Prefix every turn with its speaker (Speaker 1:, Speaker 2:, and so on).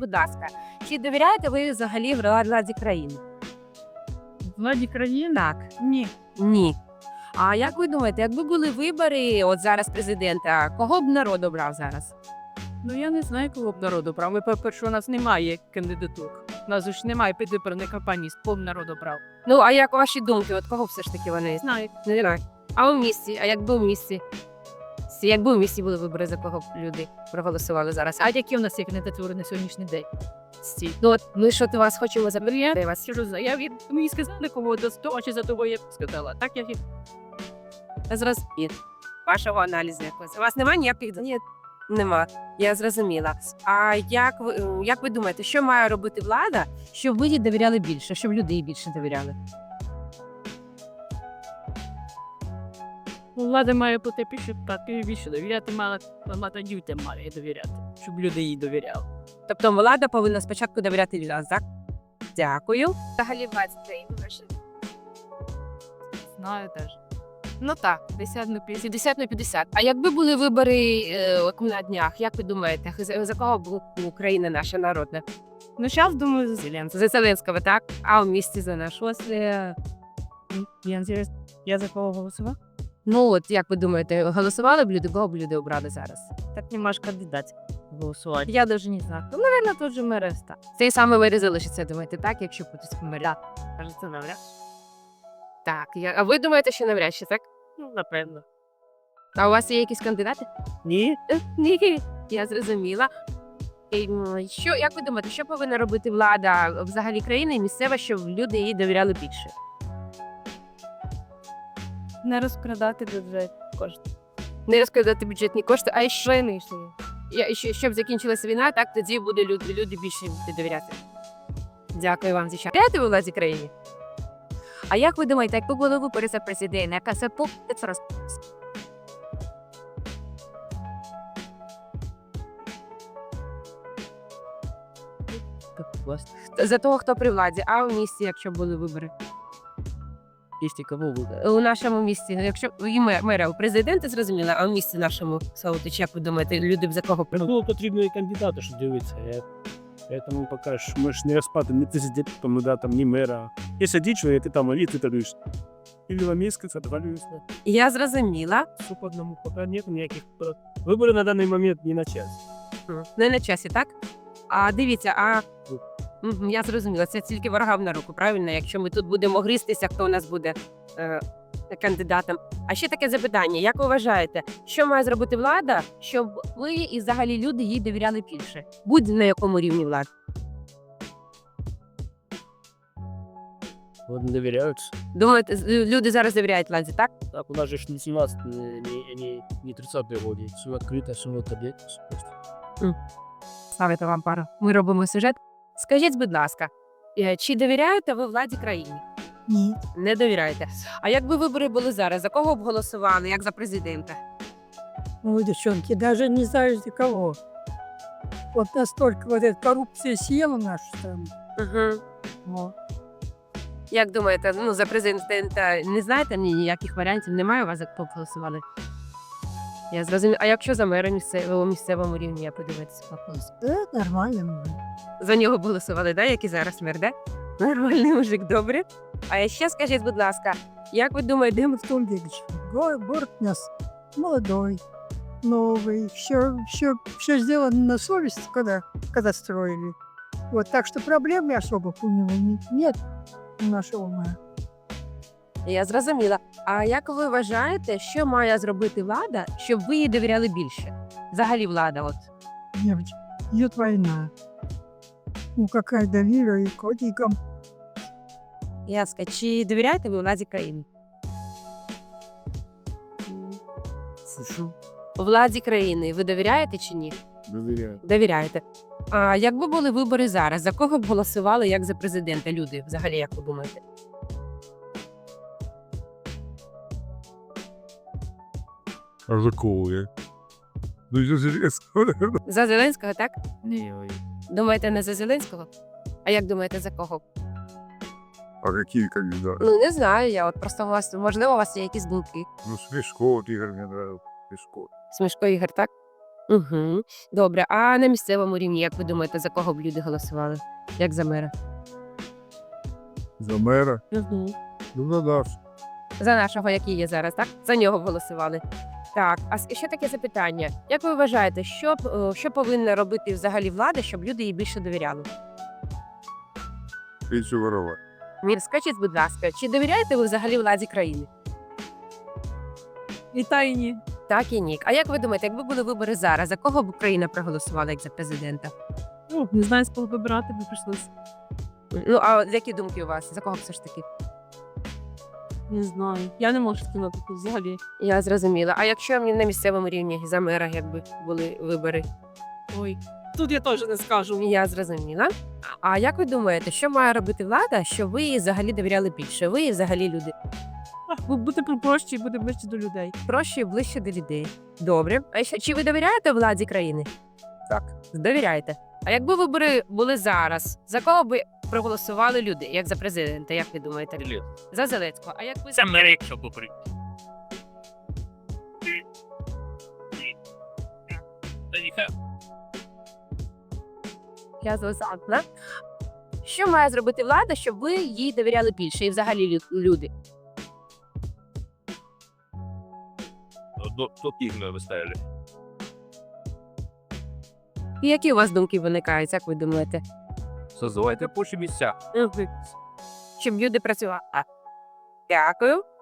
Speaker 1: будь ласка, чи довіряєте ви взагалі владі країни?
Speaker 2: Владі країни?
Speaker 1: Так.
Speaker 2: Ні.
Speaker 1: Ні. А як ви думаєте, якби були вибори от зараз президента, кого б народ обрав зараз?
Speaker 2: Ну я не знаю, кого б народу брав. Ми, по-перше, у нас немає кандидатур. У нас ж немає предвиборної кампанії, з кого б народу брав.
Speaker 1: Ну, а як ваші думки, от кого все ж таки вони?
Speaker 2: Знаю.
Speaker 1: Не знаю. А у місті? А якби у місті? Якби у місті були вибори, за кого б люди проголосували зараз?
Speaker 2: А які у нас є кандидатури на сьогоднішній день? Стій.
Speaker 1: Ну, от ми що то вас хочемо запитати вас.
Speaker 2: Мені сказали, кого до того чи за того я б сказала. Так я
Speaker 1: Зрозуміло. Вашого аналізу якось. У вас немає ніяких? Ні. Нема. Я зрозуміла. А як ви думаєте, що має робити влада, щоб ви їй довіряли більше, щоб люди їй більше довіряли?
Speaker 2: влада має бути більше довіряти, влада людям має довіряти, щоб люди їй довіряли.
Speaker 1: Тобто влада повинна спочатку довіряти людям, так? Дякую. Взагалі владі країни ваші.
Speaker 2: Знаю теж.
Speaker 1: Ну так, 50 на 50. А якби були вибори от на днях, як ви думаєте, за кого б Україна наша народна?
Speaker 2: Ну, зараз, думаю, за Зеленського.
Speaker 1: За Зеленського, так? А в місті за нашого?
Speaker 2: Я за кого голосував?
Speaker 1: Ну от, як ви думаєте, голосували б люди, кого б люди обрали зараз?
Speaker 2: Так нема ж кандидатів голосувати. Я навіть не знаю. Ну, мабуть, тут же Мереста.
Speaker 1: Цей саме мері залишиться, думаєте, так, якщо хтось помер?
Speaker 2: Кажеться, навряд.
Speaker 1: Так, а ви думаєте, що навряд чи, так?
Speaker 2: Ну, напевно.
Speaker 1: А у вас є якісь кандидати?
Speaker 2: Ні.
Speaker 1: Ні, я зрозуміла. Як ви думаєте, що повинна робити влада взагалі країни і місцева, щоб люди їй довіряли більше?
Speaker 2: Не розкрадати бюджет кошти.
Speaker 1: Не розкладати бюджетні кошти, а щоб закінчилася війна, так тоді буде люди більше довіряти. Дякую вам за час. Довіряєте ви владі країні? А як ви думаєте, якби були вибори за президента, яка це за того, хто при владі, а у місті, якщо були вибори?
Speaker 2: Місті кого буде?
Speaker 1: У нашому місті, якщо і мера, у президента зрозуміло, а у місті нашому, Саутич, як ви думаєте, люди б за кого
Speaker 3: Ну, потрібно і кандидати, що дивитися. Поэтому пока ж ми ж не розпадемо ні президентом, ну, да, там, ні мера. Якщо дичує, ти там, а ти торгуєш. Или в місяць отвалюєшся.
Speaker 1: Я зрозуміла.
Speaker 3: Все по одному, поки нет ніяких. Вибори на даний момент не на час.
Speaker 1: Не на часі, так? А дивіться, я зрозуміла, це тільки ворогам на руку, правильно? Якщо ми тут будемо гристися, хто у нас буде кандидатом. А ще таке запитання, як ви вважаєте, що має зробити влада, щоб ви і взагалі люди їй довіряли більше? Будь на якому рівні влади?
Speaker 3: Вот не довіряються.
Speaker 1: Думаєте, люди зараз довіряють владі, так?
Speaker 3: Так, у нас же ж не 17, не 30-й годі. Все відкрито, все отдать.
Speaker 1: Ставити вам пару. Ми робимо сюжет. Скажіть, будь ласка, чи довіряєте ви владі країни?
Speaker 2: Ні.
Speaker 1: Не довіряєте. А якби вибори були зараз, за кого б голосували, як за президента?
Speaker 4: Ой, девчонки, даже не знаю за кого. Вот настолько вот эта коррупция съела нашу страну.
Speaker 1: Угу.
Speaker 4: Вот.
Speaker 1: Як думаєте, за президента не знаєте ніяких варіантів? Немає у вас, за кого б голосували? Я зрозуміла. А якщо за мера місцевому рівні, я подивитися голосу?
Speaker 4: Да, нормально.
Speaker 1: За нього б голосували, да? Як і зараз мер, да? Нормальний мужик, добре. А ще скажіть, будь ласка, як ви думаєте,
Speaker 4: Дим в том Ильич, город у нас молодой, новый, все сделано на совесть, когда строили. Вот, так что проблем особо у него нет у нашего мэра.
Speaker 1: Я зрозуміла. А як ви вважаєте, що має зробити влада, щоб ви їй довіряли більше? Взагалі влада, от.
Speaker 4: Девочки, идет война. Ну, какая доверие и котикам.
Speaker 1: Яска, чи довіряєте ви владі країни? Владі країни ви довіряєте чи ні?
Speaker 3: Довіряю.
Speaker 1: Довіряєте. А якби були вибори зараз, за кого б голосували як за президента люди? Взагалі, як ви думаєте?
Speaker 5: А за кого я? Ну, я Зеленського.
Speaker 1: За Зеленського, так?
Speaker 2: Ні.
Speaker 1: Думаєте, не за Зеленського? А як думаєте, за кого?
Speaker 5: А какие кандидаты?
Speaker 1: Ну, не знаю, я от просто можливо, у вас є якісь думки.
Speaker 5: Ну, Смешко, вот Игорь мне нравился. Смешко.
Speaker 1: Смішко Ігор, так? Угу. Добре, а на місцевому рівні, як ви думаєте, за кого б люди голосували? Як за мера?
Speaker 5: За мера?
Speaker 1: Угу.
Speaker 5: Ну, за нас.
Speaker 1: За нашого, який є зараз, так? За нього б голосували. Так, а ще таке запитання. Як ви вважаєте, що повинна робити взагалі влада, щоб люди їй більше довіряли?
Speaker 5: Більше воровати.
Speaker 1: Скажіть, будь ласка, чи довіряєте ви взагалі владі країни?
Speaker 2: І та і ні.
Speaker 1: Так і ні. А як ви думаєте, якби були вибори зараз, за кого б Україна проголосувала як за президента?
Speaker 2: Ну, не знаю, з кого вибирати би прийшлося.
Speaker 1: Ну, а які думки у вас? За кого б все ж таки?
Speaker 2: Не знаю. Я не можу сказати тут взагалі.
Speaker 1: Я зрозуміла. А якщо на місцевому рівні за мера, якби були вибори?
Speaker 2: Ой. Тут я теж не скажу.
Speaker 1: Я зрозуміла. А як ви думаєте, що має робити влада, щоб ви їй взагалі довіряли більше? Ви і взагалі люди
Speaker 2: Бути попроще і бути ближче до людей.
Speaker 1: проще і ближче до людей. Добре. А ще чи ви довіряєте владі країни?
Speaker 5: Так.
Speaker 1: Довіряєте. А якби вибори були зараз, за кого би проголосували люди, як за президента, як ви думаєте? За Зеленського. А як ви
Speaker 6: Це мер, якщо попри. Та ніхай.
Speaker 1: Я зрозуміла. Що має зробити влада, щоб ви їй довіряли більше і взагалі люди?
Speaker 6: До ігною виставили.
Speaker 1: І які у вас думки виникають, як ви думаєте?
Speaker 6: Создавайте робочі місця.
Speaker 1: Щоб люди працювали. Дякую.